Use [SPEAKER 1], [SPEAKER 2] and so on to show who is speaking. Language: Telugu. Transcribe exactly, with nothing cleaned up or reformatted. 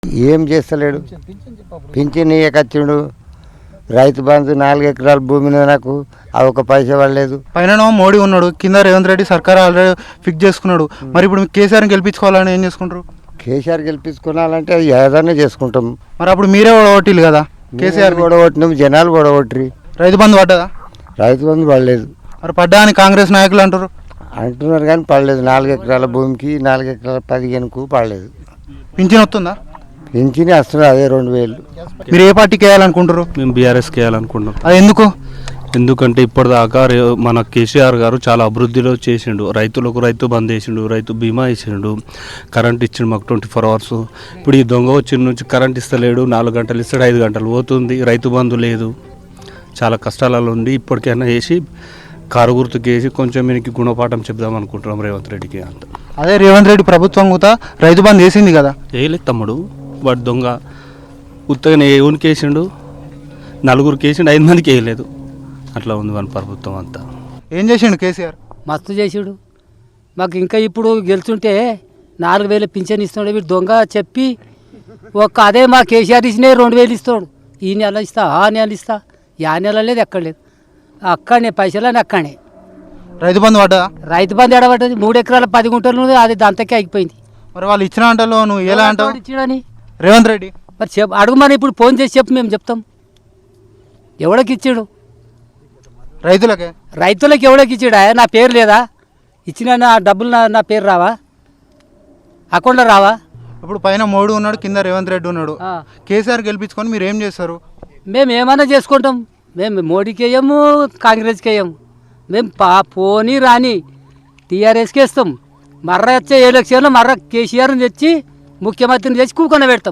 [SPEAKER 1] ఏం చేస్తలేడు, పింఛన్ ఇయ్యకచ్చిండు. రైతు బంధు నాలుగు ఎకరాల భూమి నాకు ఆ ఒక పైసా పడలేదు.
[SPEAKER 2] పైన మోడీ ఉన్నాడు, కింద రేవంత్ రెడ్డి సర్కార్ ఆల్రెడీ ఫిక్స్ చేసుకున్నాడు. మరి ఇప్పుడు కేసీఆర్ని గెలిపించుకోవాలని ఏం చేసుకుంటారు?
[SPEAKER 1] కేసీఆర్ గెలిపించుకోవాలంటే అది ఏదైనా చేసుకుంటాం.
[SPEAKER 2] మరి అప్పుడు మీరే ఓటీలు కదా, కేసీఆర్
[SPEAKER 1] ఓడగొట్టినాం, జనాలు ఓడగొట్టి.
[SPEAKER 2] రైతు బంధు పడ్డదా?
[SPEAKER 1] రైతు బంధు పడలేదు.
[SPEAKER 2] మరి పడ్డా అని కాంగ్రెస్ నాయకులు అంటారు.
[SPEAKER 1] అంటున్నారు కానీ పడలేదు. నాలుగు ఎకరాల భూమికి నాలుగు ఎకరాల పదిహేనుకు పడలేదు.
[SPEAKER 2] పింఛన్ వస్తుందా?
[SPEAKER 1] పింఛన్ వస్తుంది అదే రెండు వేలు.
[SPEAKER 2] మీరు ఏ పార్టీకి వేయాలనుకుంటారు?
[SPEAKER 3] మేము బీఆర్ఎస్కి వేయాలనుకుంటున్నాం.
[SPEAKER 2] అది ఎందుకు?
[SPEAKER 3] ఎందుకంటే ఇప్పటిదాకా మన కేసీఆర్ గారు చాలా అభివృద్ధిలో చేసిండు. రైతులకు రైతు బంద్ వేసిండు, రైతు బీమా వేసిండు, కరెంట్ ఇచ్చిండు మాకు ట్వంటీ ఫోర్ అవర్స్. ఇప్పుడు ఈ దొంగ వచ్చిన నుంచి కరెంట్ ఇస్తలేడు, నాలుగు గంటలు ఇస్తాడు, ఐదు గంటలు పోతుంది, రైతు బంధు లేదు. చాలా కష్టాలలో ఉండి ఇప్పటికైనా వేసి కారు గుర్తుకు వేసి కొంచెం మీకు గుణపాఠం చెప్దాం అనుకుంటున్నాం రేవంత్ రెడ్డికి. అంత
[SPEAKER 2] అదే రేవంత్ రెడ్డి ప్రభుత్వం కూడా రైతు బంధు వేసింది కదా.
[SPEAKER 3] వేయలేదు తమ్ముడు, వాడు దొంగ ఉత్తగానే ఎవరికి వేసిండు, నలుగురికి వేసిండు, ఐదు మందికి వేయలేదు. అట్లా ఉంది మన ప్రభుత్వం అంతా.
[SPEAKER 2] ఏం చేసిండు కేసీఆర్?
[SPEAKER 4] మస్తు చేసాడు మాకు. ఇంకా ఇప్పుడు గెలుచుంటే నాలుగు వేలు పింఛన్ ఇస్తున్నాడు. వీడు దొంగ చెప్పి ఒక్క అదే మా కేసీఆర్ ఇచ్చినే రెండు వేలు ఇస్తాడు. ఈ నెల ఇస్తా, ఆ నెల ఇస్తా, యా నెల లేదు, ఎక్కడ లేదు. అక్కడనే పైసలని అక్కడనే.
[SPEAKER 2] రైతు బంధు పడ్డా?
[SPEAKER 4] రైతు బంధు ఎడబడ్డది. మూడు ఎకరాల పది గుంటలు అది దంతకే ఆగిపోయింది.
[SPEAKER 2] మరి వాళ్ళు ఇచ్చిన అంటలో నువ్వు ఎలా అంటావు?
[SPEAKER 4] ఇచ్చాడని
[SPEAKER 2] రేవంత్ రెడ్డి
[SPEAKER 4] మరి చెప్పు, అడుగుమని ఇప్పుడు ఫోన్ చేసి చెప్పు, మేము చెప్తాం. ఎవడకి ఇచ్చాడు?
[SPEAKER 2] రైతులకే.
[SPEAKER 4] రైతులకు ఎవడకి ఇచ్చాడా? నా పేరు లేదా? ఇచ్చిన నా డబ్బులు నా నా పేరు రావా? అకౌంట్లో రావా?
[SPEAKER 2] ఇప్పుడు పైన మోడీ ఉన్నాడు, కింద రేవంత్ రెడ్డి ఉన్నాడు. కేసీఆర్ గెలిపించుకొని మీరు ఏం చేస్తారు?
[SPEAKER 4] మేము ఏమైనా చేసుకుంటాం. మేము మోడీకి వేయము, కాంగ్రెస్కి వేయము. మేము పా పోనీ రాని టీఆర్ఎస్కి వేస్తాం. మర్ర వచ్చే ఎలక్షన్లో మర్ర కేసీఆర్ని తెచ్చి ముఖ్యమంత్రిని తెచ్చి కూకొని పెడతాం.